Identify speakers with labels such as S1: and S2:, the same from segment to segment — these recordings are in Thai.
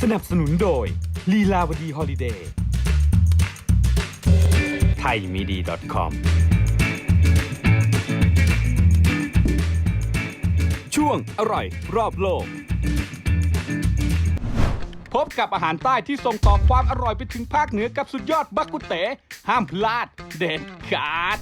S1: นับสนุนโดยลีลาวดีฮอลิเดย์ไทยมีดี .com ช่วงอร่อยรอบโลกพบกับอาหารใต้ที่ส่งต่อความอร่อยไปถึงภาคเหนือกับสุดยอดบักกุเต๋ห้ามพลาดเด็ดขาด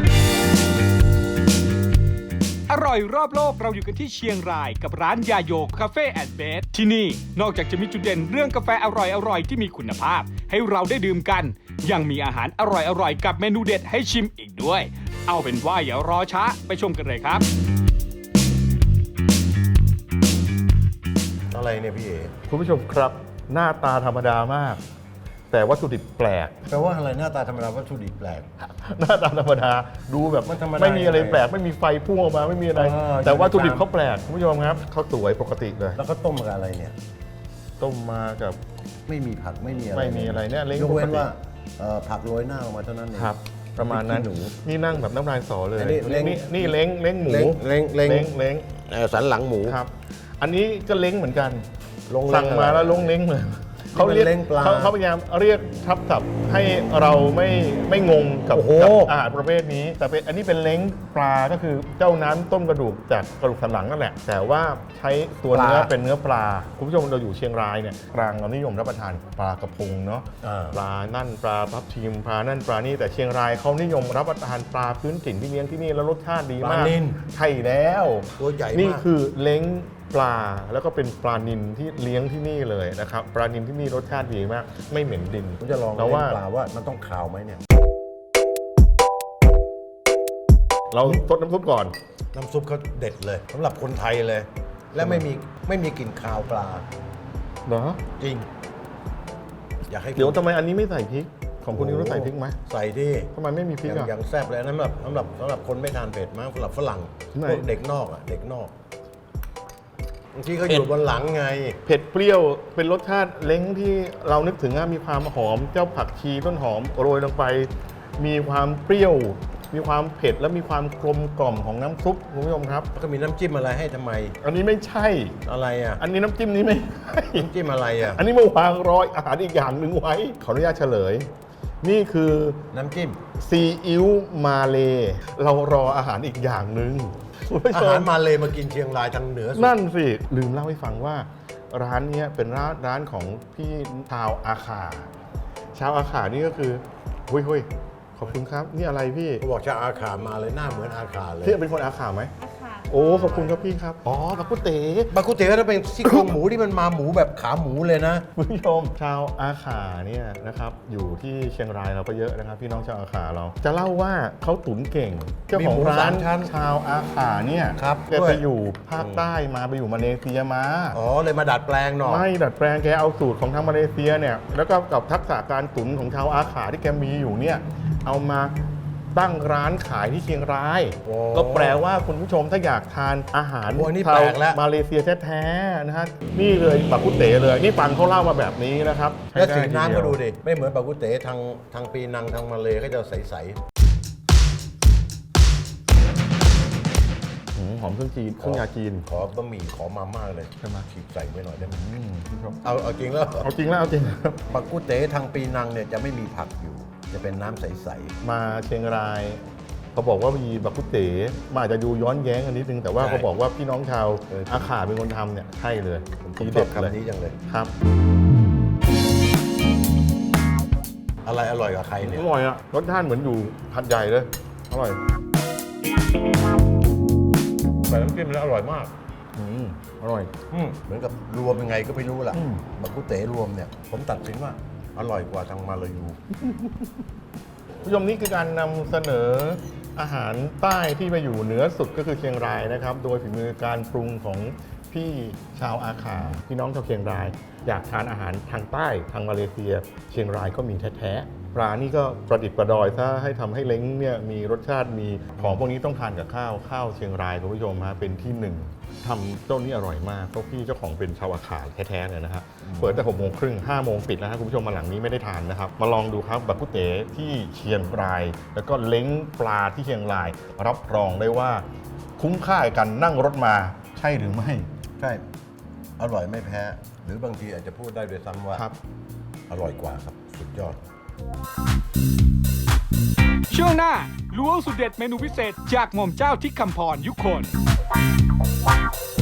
S1: อร่อยรอบโลกเราอยู่กันที่เชียงรายกับร้านยาโยคาเฟ่แอนด์เบสที่นี่นอกจากจะมีจุดเด่นเรื่องกาแฟอร่อยที่มีคุณภาพให้เราได้ดื่มกันยังมีอาหารอร่อยกับเมนูเด็ดให้ชิมอีกด้วยเอาเป็นว่าอย่ารอช้าไปชมกันเลยครับ
S2: อะไรเนี่ยพี่เอ๋
S3: คุณผู้ชมครับหน้าตาธรรมดามาก แต่วัตถุดิบแปลก
S2: แปลว่าอะไรหน้าตาธรรมดาวัตถุดิบแปลก
S3: หน้าตาธรรมดาดูแบบ
S2: มันธรรมดา
S3: ไม่มีอะไร
S2: ยังไง
S3: แปลกไม่มีไฟพุ่งออกมาไม่มีอะไร แต่วัตถุดิบเขาแปลกคุณผู้ชมครับเขาสวยปกติเลย
S2: แล้วก็ต้มกับอะไรเนี่ย
S3: ต้มมากับ
S2: ไม่มีผักไม่มีอะไร
S3: ไม่มีอะไรเนี่ยเล้ง
S2: ยกเว้น
S3: ปกติ
S2: ว่าผักโรยหน้าออกมาเท่านั้นเอง
S3: ครับ ประมาณนั้น
S2: พริกขี้หนู
S3: นี่นั่งแบบน้ำลายสอเลย
S2: อันนี้เล้ง
S3: นี่เล้งหมู
S2: เล้ง
S3: เล้ง
S2: สันหลังหมู
S3: ครับ อันนี้ก็เล้งเหมือนกัน
S2: ลงเล้ง
S3: สั่งมาแล้วลงเล้งเลย
S2: นี่มันเล้งปลา
S3: เขาพยายามเรียกทับศัพท์ให้เราไม่งงกับ
S2: โอ้โห
S3: อาหารประเภทนี้ แต่เป็นอันนี้เป็นเล้งปลาก็คือเจ้าน้ำต้มกระดูกจากกระดูกสันหลังนั่นแหละ แต่ว่าใช้ตัวเนื้อเป็นเนื้อปลาคุณผู้ชมเราอยู่เชียงรายเนี่ยกลางเรานิยมรับประทานปลากระพงเนาะ ปลานั่นปลาทับทิมปลานั่นปลานี่แต่เชียงรายเขานิยมรับประทานปลาพื้นถิ่นที่เลี้ยงที่นี่แล้วรสชาติดีมาก
S2: ปลานิล
S3: ใช่แล้ว
S2: ตัวใหญ่มาก
S3: นี่คือเล้งปลาแล้วก็เป็นปลานิลที่เลี้ยงที่นี่เลยนะครับปลานิลที่นี่รสชาติดีมากไม่เหม็นดิน
S2: ผมจะลอง
S3: เรา
S2: เล้
S3: ว่า
S2: งปลาว่ามันต้องขาวไหมเนี่ย
S3: เราซดน้ำซุปก่อน
S2: น้ำซุปเขาเด็ดเลยสำหรับคนไทยเลย และไม่มีกลิ่นคาวปลา
S3: เหรอ
S2: จริง อยากให้กิน
S3: เดี๋ยวทำไมอันนี้ไม่ใส่พริกของคุณนิวต้องใส่พริกไหม
S2: ใส่ที่
S3: ทำไมไม่มีพริกอ่ะ
S2: อย่างแซ่บเลยนั่นแบบสำหรับคนไม่ทานเผ็ดมากสำหรับฝรั่ง
S3: ไหน
S2: พวกเด็กนอกอ่ะเด็กนอกบางทีเขาอยู่บนหลังไง
S3: เผ็ดเปรี้ยวเป็นรสชาติเล้งที่เรานึกถึงมีความหอมเจ้าผักชีต้นหอมโรยลงไป มีความเปรี้ยว มีความเผ็ดและมีความกลมกล่อมของน้ำซุปคุณผู้ชมครับ
S2: ก็มีน้ำจิ้มอะไรให้ทำไม
S3: อันนี้ไม่ใช่
S2: อะไรอ่ะ
S3: อันนี้น้ำจิ้มนี้ไม่ใช่
S2: น้ำจิ้มอะไรอ่ะ
S3: อันนี้มาวางรอยอาหารอีกอย่างหนึ่งไว้ ขออนุญาตเฉลย นี่คือ
S2: น้ำจิ้ม
S3: ซีอิ๊วมาเลเรารออาหารอีกอย่างหนึ่งคุณผู้
S2: อา
S3: ช
S2: หาม รมาเลยมากินเชียงรายทางเหนือสุด
S3: นั่นสิ ลืมเล่าให้ฟังว่า ร้านเนี้ยเป็นร้านของพี่ชาวอาขาชาวอาขานี่ก็คือหุ้ยขอบคุณครับ นี่อะไรพี่
S2: เขาบอกจะอาขามาเลยหน้าเหมือนอาขาเลย
S3: พี่เป็นคนอาขาไหมโอ้ขอบคุณครับพี่ครับอ๋อบักกุเต๋
S2: บากุเต๋ถ้าเป็นซี่โครงหมูที่มันมาหมูแบบขาหมูเลยนะ
S3: คุณผู้ชมชาวอาขาเนี่ยนะครับอยู่ที่เชียงรายเราก็เยอะนะครับพี่น้องชาวอาขาเราจะเล่าว่าเขาตุ๋นเก่งเจ้าของร้าน
S2: มีหมูสามชั้น
S3: ชาวอาขาเนี่ย
S2: ครับ
S3: แกไปอยู่ภาคใต้มาไปอยู่มาเลเซียมา
S2: อ๋อเลยมาดัดแปลงหน่อย
S3: ไม่ดัดแปลงแกเอาสูตรของทางมาเลเซียเนี่ยแล้วก็กับทักษะการตุ๋นของชาวอาขาที่แกมีอยู่เนี่ยเอามาตั้งร้านขายที่เชียงราย
S2: โอ้
S3: ก็แปลว่าคุณผู้ชมถ้าอยากทานอาหาร
S2: โอ้ยนี่
S3: ชา
S2: แป
S3: ว
S2: ลกแล้ว
S3: มาเลเซียแท้ๆนะฮะนี่เลยบักกุเต๋เลยนี่ฟังเขาเล่ามาแบบนี้นะครับ
S2: แล้วสี
S3: ใช้ไ
S2: น้ำก็ดู
S3: ทีเย
S2: ดิ ไม่เหมือนบากุเต๋ทางปีนังทางมาเลยก็จะใส
S3: หอมเครื่องจีนเครื่องยาจีน
S2: ๆขอบะหมี่ขอมาม่าเลย
S3: ใช่ไหม
S2: ฉีกใส่ไว้หน่อยได้ไหม
S3: คุณผู้ชม
S2: เอาจริงแล้ว
S3: เอาจริงแล้วเอาจริง
S2: บากุเต๋ทางปีนังเนี่ยจะไม่มีผักอยู่ จะเป็นน้ำใส
S3: มาเชียงรายเขาบอกว่ามีบักกุเต๋มันอาจจะดูย้อนแย้งกันนิดนึงแต่ว่าเขาบอกว่าพี่น้องชาวอาขาเป็นคนทำเนี่ยใช่เลย
S2: ๆผม
S3: ที
S2: ช
S3: เด็
S2: อบ
S3: ดเลย
S2: คำนี้จังเลย
S3: ครับ
S2: อะไรอร่อยกว่าใครเนี่ย
S3: อร่อยอะรสชาติเหมือนอยู่หัดใหญ่เลยอร่อยใส่น้ำจิ้มแล้วอร่อยมากอร่อย
S2: เหมือนกับรวมยังไงก็ไม่รู้ล่ะ
S3: อืม
S2: บากุเต๋รวมเนี่ย ผมตัดสินว่าอร่อยกว่าทางมาลายู
S3: ผู้ชมนี่คือการนำเสนออาหารใต้ที่มาอยู่เหนือสุดก็คือเชียงรายนะครับ โดยฝีมือการปรุงของพี่ชาวอาขาพี่น้องชาวเชียงราย อยากทานอาหารทางใต้ทางมาเลเซีย เชียงรายก็มีแท้ๆปลานี่ก็ประดิษฐ์ประดอยถ้าให้ทำให้เล้งเนี่ยมีรสชาติมีของพวกนี้ต้องทานกับข้าวเชียงรายคุณผู้ชมฮะเป็นที่หนึ่งทำเจ้านี้อร่อยมากเพราะพี่เจ้าของเป็นชาวอาขาแท้ๆเลยนะฮะเปิดแต่6:30 5 โมงปิดนะฮะคุณผู้ชมมาหลังนี้ไม่ได้ทานนะครับมาลองดูครับบักกุเต๋ที่เชียงราย แล้วก็เล้งปลาที่เชียงราย รับรองได้ว่าคุ้มค่ากับการนั่งรถมาใช่หรือไม่
S2: ใช่ อร่อยไม่แพ้หรือบางทีอาจจะพูดได้ด้วยซ้ำว่า
S3: ครับ
S2: อร่อยกว่าครับ สุดยอด
S1: ช่วงหน้าล้วงสุดเด็ดเมนูพิเศษจากหม่อมเจ้าที่คำพรยุคน